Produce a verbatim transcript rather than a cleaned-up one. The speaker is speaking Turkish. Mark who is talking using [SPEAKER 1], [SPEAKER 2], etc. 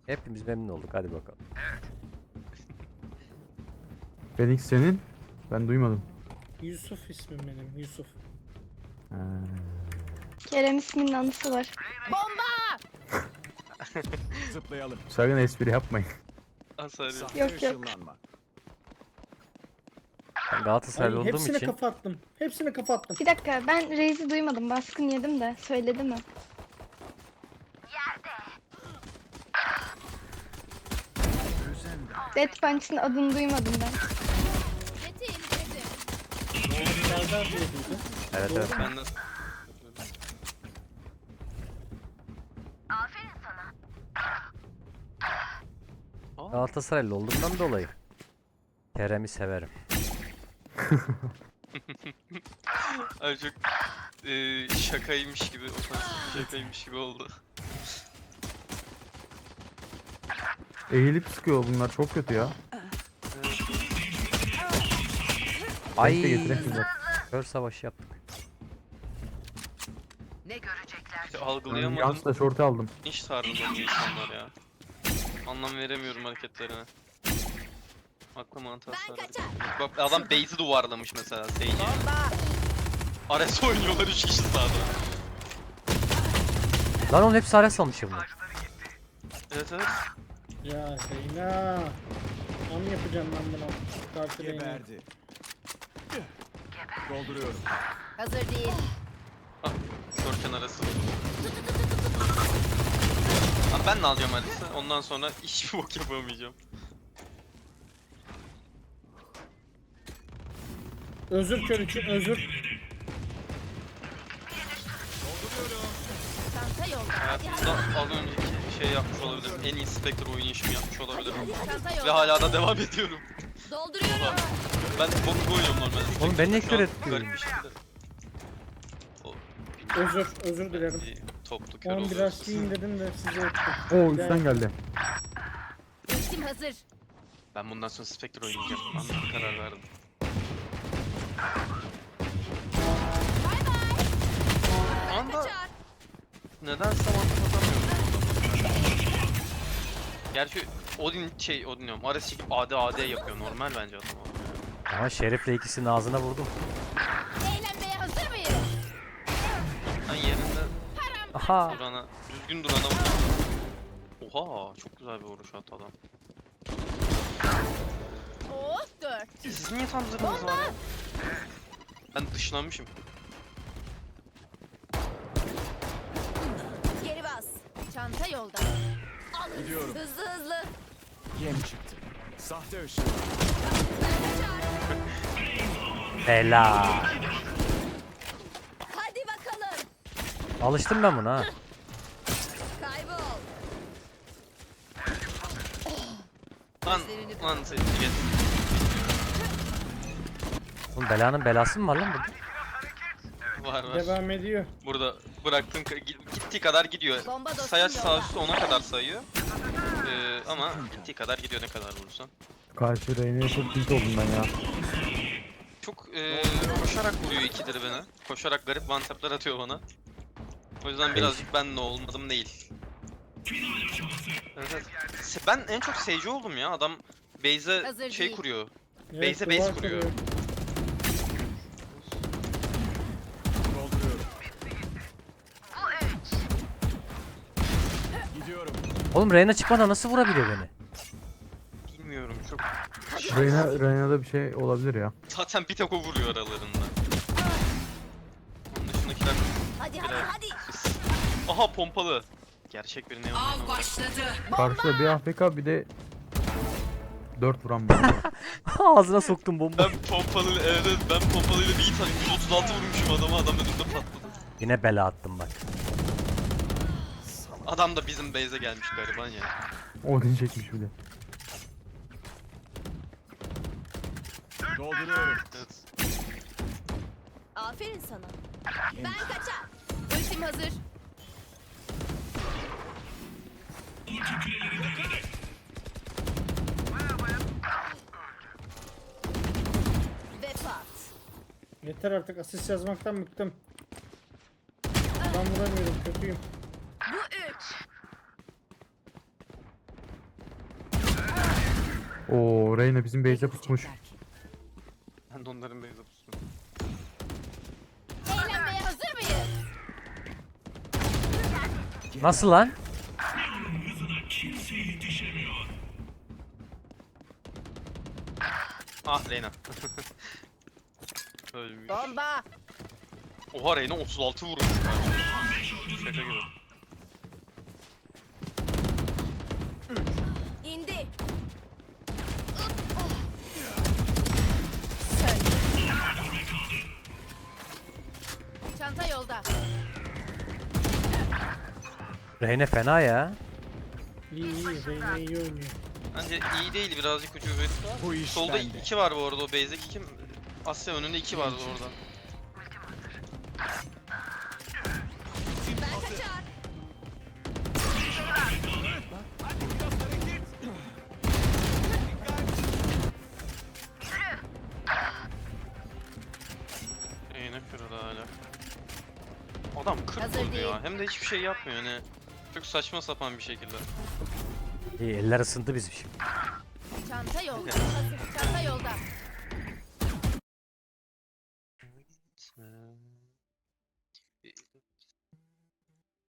[SPEAKER 1] Hepimiz memnun olduk. Hadi bakalım.
[SPEAKER 2] Phoenix senin? Ben duymadım.
[SPEAKER 3] Yusuf ismim benim, Yusuf.
[SPEAKER 2] Ha.
[SPEAKER 4] Kerem isminin anısı var.
[SPEAKER 5] Zıplayalım.
[SPEAKER 2] Sakın espri yapmayın.
[SPEAKER 6] Hasar yok.
[SPEAKER 5] Sahte
[SPEAKER 4] Yok, yok.
[SPEAKER 5] ışınlanma.
[SPEAKER 1] Ben Galatasaraylı
[SPEAKER 3] Ay,
[SPEAKER 1] olduğum
[SPEAKER 3] hepsine
[SPEAKER 1] için
[SPEAKER 3] kafa attım. Hepsine kafa attım.
[SPEAKER 4] Bir dakika ben Reis'i duymadım. Baskın yedim de. Söyledi mi? Dead Punch'ın adını duymadım ben.
[SPEAKER 3] Serdar diye duydum.
[SPEAKER 1] evet evet.
[SPEAKER 6] Ben de... Aa,
[SPEAKER 1] Galatasaraylı olduğumdan dolayı Kerem'i severim.
[SPEAKER 6] ay çok e, şakaymış gibi, ofansif şakaymış gibi oldu.
[SPEAKER 2] Eğilip sıkıyor bunlar çok kötü ya.
[SPEAKER 1] Ay.
[SPEAKER 2] Ay. Getireyim bak.
[SPEAKER 1] Kör savaşı yaptık.
[SPEAKER 6] İşte
[SPEAKER 2] Ben
[SPEAKER 6] algılayamadım.
[SPEAKER 2] Yans'la şortu aldım.
[SPEAKER 6] Hiç sarıldı bu insanlar ya. Anlam veremiyorum hareketlerine. Aklı mantığı sarıldı. Bak adam base'i duvarlamış mesela Sage'i. Ares oynuyorlar üç kişi sağda.
[SPEAKER 1] Lan oğlum hepsi Ares almış ya bunlar.
[SPEAKER 6] Evet evet.
[SPEAKER 3] Ya Reyna. Am yapacağım ben buna. Karşı Reyna.
[SPEAKER 5] Geberdi. Dolduruyorum.
[SPEAKER 7] Hazır değil.
[SPEAKER 6] Görken arası. Abi ben de alacağım Ares'i. Ondan sonra hiçbir bok yapamayacağım.
[SPEAKER 3] Özür kör için özür.
[SPEAKER 7] Çanta yolda.
[SPEAKER 6] Hayatımda az önceki şey yapmış olabilirim. En iyi Spectre oynayışımı yapmış olabilirim.
[SPEAKER 7] Çanta
[SPEAKER 6] Ve
[SPEAKER 7] yolda.
[SPEAKER 6] hala da devam ediyorum.
[SPEAKER 7] Dolduruyorum.
[SPEAKER 6] Ben bok gibi oynuyorum normalde.
[SPEAKER 1] Oğlum ben niye
[SPEAKER 6] Şu
[SPEAKER 1] kör
[SPEAKER 6] an
[SPEAKER 1] etmiyorum?
[SPEAKER 6] garip bir şekilde. O
[SPEAKER 3] Özür, özür dilerim.
[SPEAKER 6] bir toplu kör
[SPEAKER 3] On
[SPEAKER 6] oluyor.
[SPEAKER 3] biraz yiyeyim dedim de size ettim.
[SPEAKER 2] Oo üstten geldi.
[SPEAKER 7] Ultim hazır.
[SPEAKER 6] Ben bundan sonra Spectre oynayacağım. Anladım, karar verdim. Anda nedense mantık atamıyorum. Gerçi Odin şey Odin diyorum. Ares çekip A D A D yapıyor. Normal bence adam o.
[SPEAKER 1] Ama Şerif'le ikisinin ağzına vurdum.
[SPEAKER 7] Eğlenmeye hazır mıyız?
[SPEAKER 6] Ben yerinde
[SPEAKER 1] Aha.
[SPEAKER 6] durana, düzgün durana vurdum. Oha, çok güzel bir vuruş attı adam.
[SPEAKER 7] Oh dört.
[SPEAKER 6] Siz niye tam zırhınız var ya? Ben dışlanmışım.
[SPEAKER 7] Geri bas. Çanta yolda. Alın.
[SPEAKER 5] Gidiyorum.
[SPEAKER 7] Hızlı hızlı.
[SPEAKER 5] Yem çıktı. Sahte ışın.
[SPEAKER 1] Bela.
[SPEAKER 7] Hadi bakalım.
[SPEAKER 1] Alıştım ben buna ha.
[SPEAKER 7] Kaybol.
[SPEAKER 6] Lan, lan sen git.
[SPEAKER 1] Oğlum belanın belası mı var lan burada?
[SPEAKER 6] Var var.
[SPEAKER 3] Devam ediyor.
[SPEAKER 6] Burada bıraktığım ka- gi- gittiği kadar gidiyor.
[SPEAKER 7] Bomba dostum
[SPEAKER 6] Sayaç sağ
[SPEAKER 7] yolda.
[SPEAKER 6] üstü ona kadar sayıyor. Ee, ama gittiği kadar gidiyor ne kadar vurursan.
[SPEAKER 2] Karşı Reyna'ya çok tilt oldum ben ya.
[SPEAKER 6] Çok ee, koşarak vuruyor ikidir beni. Koşarak garip one tap'lar atıyor bana. O yüzden birazcık ben ne olmadım değil. Evet, evet. Se- Ben en çok Sage oldum ya. Adam base'e
[SPEAKER 7] Hazır
[SPEAKER 6] şey
[SPEAKER 7] değil.
[SPEAKER 6] kuruyor.
[SPEAKER 3] Evet,
[SPEAKER 6] Base'e base
[SPEAKER 3] duvar
[SPEAKER 6] kuruyor.
[SPEAKER 5] Dolduruyorum. Gidiyorum.
[SPEAKER 1] Oğlum Reyna çıkmadan nasıl vurabiliyor beni?
[SPEAKER 6] Bilmiyorum çok.
[SPEAKER 2] Reyna, Reyna'da bir şey olabilir ya.
[SPEAKER 6] Zaten bir tek o vuruyor aralarında. Onun dışındakiler...
[SPEAKER 7] Hadi hadi
[SPEAKER 6] Biraz-
[SPEAKER 7] hadi.
[SPEAKER 6] Aha pompalı. Gerçek bir neon.
[SPEAKER 7] Av başladı.
[SPEAKER 2] Karşıda bir A F K bir de dört vuran var.
[SPEAKER 1] Ağzına soktum bomba.
[SPEAKER 6] Ben pompalı, evet evet, ben pompalıyla bir tane yüz otuz altı vurmuşum adama, adam önümde patladı.
[SPEAKER 1] Yine bela attım bak.
[SPEAKER 6] Adam da bizim base'e gelmiş gariban ya.
[SPEAKER 2] Odin çekmiş bir de.
[SPEAKER 5] Dolduruyorum.
[SPEAKER 6] Evet.
[SPEAKER 7] Aferin sana. Ben kaçar. Ultim hazır. Ve pat.
[SPEAKER 3] Yeter artık asist yazmaktan bıktım. Ben vuramıyorum kötüyüm.
[SPEAKER 7] Bu üç.
[SPEAKER 2] Oo Reyna bizim base'e pusmuş.
[SPEAKER 6] Ben de onların beyza pustum.
[SPEAKER 7] Eğlenmeye hazır mıyız?
[SPEAKER 1] Nasıl lan?
[SPEAKER 6] Ah Reyna. Ölmüş.
[SPEAKER 7] Bomba.
[SPEAKER 6] Oha Reyna otuz altı vurmuş. Şaka gibi.
[SPEAKER 7] İndi. Çanta yolda.
[SPEAKER 1] Reyne fena ya.
[SPEAKER 3] İyi iyi. Reyna iyi oynuyor.
[SPEAKER 6] Bence iyi değil, birazcık ucubet var.
[SPEAKER 5] Bu iş
[SPEAKER 6] Solda
[SPEAKER 5] bende.
[SPEAKER 6] iki var bu arada, o base'deki kim? Asya önünde iki vardı orada.
[SPEAKER 7] Ben kaçar.
[SPEAKER 6] Reyna kırıldı hala. Adam kırk
[SPEAKER 7] Hazır
[SPEAKER 6] vurdu
[SPEAKER 7] değil.
[SPEAKER 6] ya. Hem de hiçbir şey yapmıyor hani. Çok saçma sapan bir şekilde.
[SPEAKER 1] İyi, eller ısındı bizim şimdi.
[SPEAKER 7] Çanta yolda. Hazır. Çanta yolda.